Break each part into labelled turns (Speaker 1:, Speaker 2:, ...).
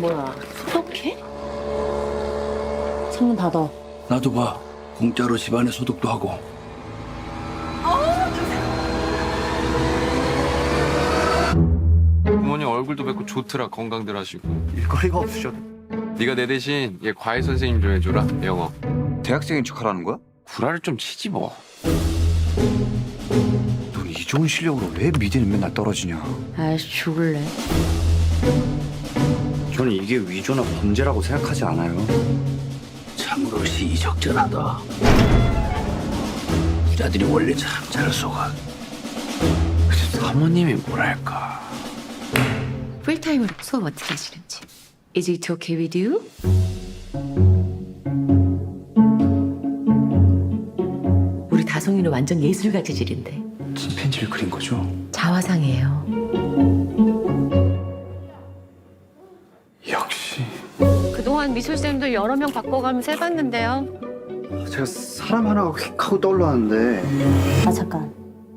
Speaker 1: 뭐야, 소독해? 창문 닫아.
Speaker 2: 나도 봐. 공짜로 집안에 소독도 하고.
Speaker 3: 부모님 얼굴도 뵙고 좋더라. 건강들 하시고.
Speaker 4: 일거리가 없으셔도.
Speaker 3: 네가 내 대신 얘 과외 선생님 좀 해줘라. 영어.
Speaker 4: 대학생인 척하라는 거야?
Speaker 3: 구라를 좀 치지 뭐.
Speaker 4: 넌 이 좋은 실력으로 왜 미대는 맨날 떨어지냐?
Speaker 1: 아이씨, 죽을래.
Speaker 4: 저는 이게 위조나 범죄라고 생각하지 않아요.
Speaker 2: 참으로 시의적절하다. 부자들이 원래 참 잘 속아.
Speaker 3: 사모님이 뭐랄까.
Speaker 1: 풀타임으로 수업 어떻게 하시는지. Is it okay with you? 우리 다송이는 완전 예술가 재질인데.
Speaker 4: 침팬지를 그린 거죠?
Speaker 1: 자화상이에요.
Speaker 4: 역시.
Speaker 5: 그동안 미술쌤도 여러 명 바꿔가면서 해봤는데요.
Speaker 4: 제가 사람 하나가 휙 하고 떠올랐는데
Speaker 6: 아 잠깐.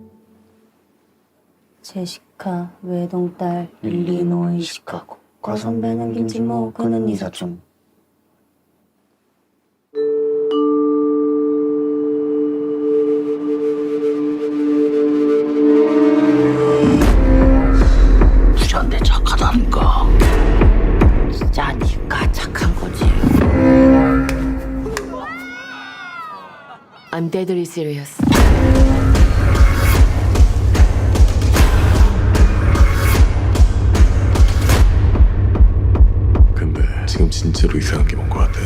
Speaker 6: 제시카 외동딸 일리노이 시카고 과선배는 김치모 그는 이사촌.
Speaker 2: 부자인데 착하다니까. 진짜 니가 착한 거지.
Speaker 1: I'm deadly serious.
Speaker 7: 근데 지금 진짜로 이상한 게 뭔 것 같아.